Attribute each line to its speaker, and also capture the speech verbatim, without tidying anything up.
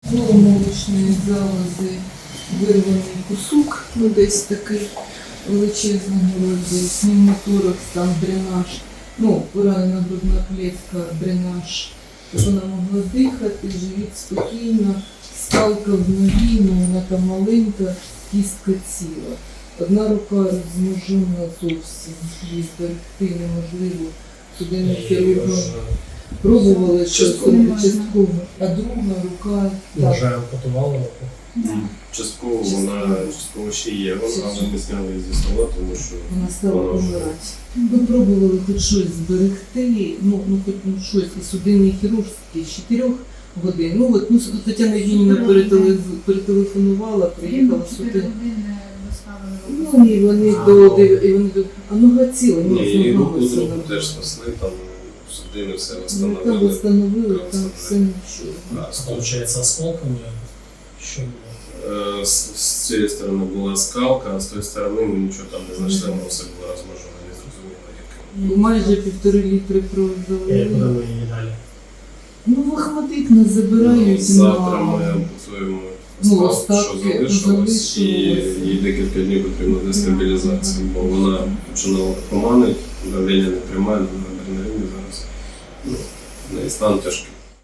Speaker 1: Молочної залози вирваний кусок, ну десь такий величезний розріз, пневмоторакс, там дренаж, ну, поранена грудна клітка, дренаж, щоб вона могла дихати, живіт спокійно, скалка в ногі, ну вона там маленька, кістка ціла. Одна рука розможена зовсім, її зберегти неможливо, судинним хірургом. Пробували, що частково, а друга рука...
Speaker 2: Вже ампутували руку?
Speaker 3: Да. Частково вона, частково ще є, але ми зняли її зі стола, тому що
Speaker 1: вона стала помирати. Ми пробували хоч щось зберегти, ну, ну хоч ну, щось, і судинний хірург з чотирьох годин. Ну от, ну, Тетяна Євгенівна перетеле, перетелефонувала, приїхала сюди. Ну і вони до, і вони до, а нога ціла,
Speaker 3: ні, і руку
Speaker 1: все
Speaker 3: другу
Speaker 1: нормально.
Speaker 3: теж спасли, там судини все
Speaker 1: Ну,
Speaker 3: встановили.
Speaker 1: там встановили, там все нічого.
Speaker 3: А, з
Speaker 2: Получається, осколками? Що було?
Speaker 3: Е, З, з цієї сторони була скалка, а з тої сторони ми нічого там не знайшли, воно все було розмножено, не зрозуміло яким.
Speaker 1: Майже півтори літри крові
Speaker 2: І куди
Speaker 1: залили.
Speaker 2: ви її далі?
Speaker 1: Ну, в Ахматик нас забирають
Speaker 3: Завтра ми
Speaker 1: на...
Speaker 3: ампутуємо
Speaker 1: Ну,
Speaker 3: остав, що
Speaker 1: остатки
Speaker 3: залишилось, і
Speaker 1: залишилось.
Speaker 3: їй декілька днів потрібно для стабілізації, бо вона починала поманити, давлення не тримає, на адреналіні зараз. Ну, в неї стан тяжкий.